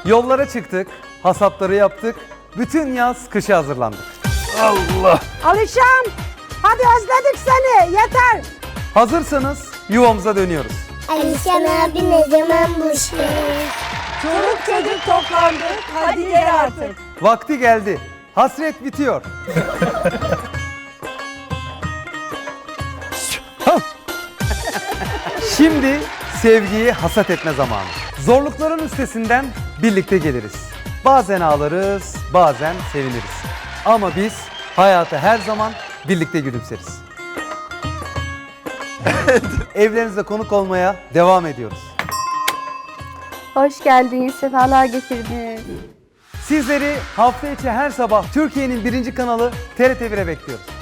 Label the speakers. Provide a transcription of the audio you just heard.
Speaker 1: Yollara çıktık, hasatları yaptık, bütün yaz kışa hazırlandık.
Speaker 2: Alişan, hadi özledik seni, yeter.
Speaker 1: Hazırsanız yuvamıza dönüyoruz.
Speaker 3: Alişan abi ne zaman buluşuyor?
Speaker 2: Çoluk çocuk toplandı, hadi gel artık.
Speaker 1: Vakti geldi. Hasret bitiyor. Şimdi sevgiyi hasat etme zamanı. Zorlukların üstesinden birlikte geliriz. Bazen ağlarız, bazen seviniriz. Ama biz hayata her zaman birlikte gülümseriz. Evlerinize konuk olmaya devam ediyoruz.
Speaker 4: Hoş geldiniz, sefalar getirdiniz.
Speaker 1: Sizleri hafta içi her sabah Türkiye'nin birinci kanalı TRT 1'e bekliyoruz.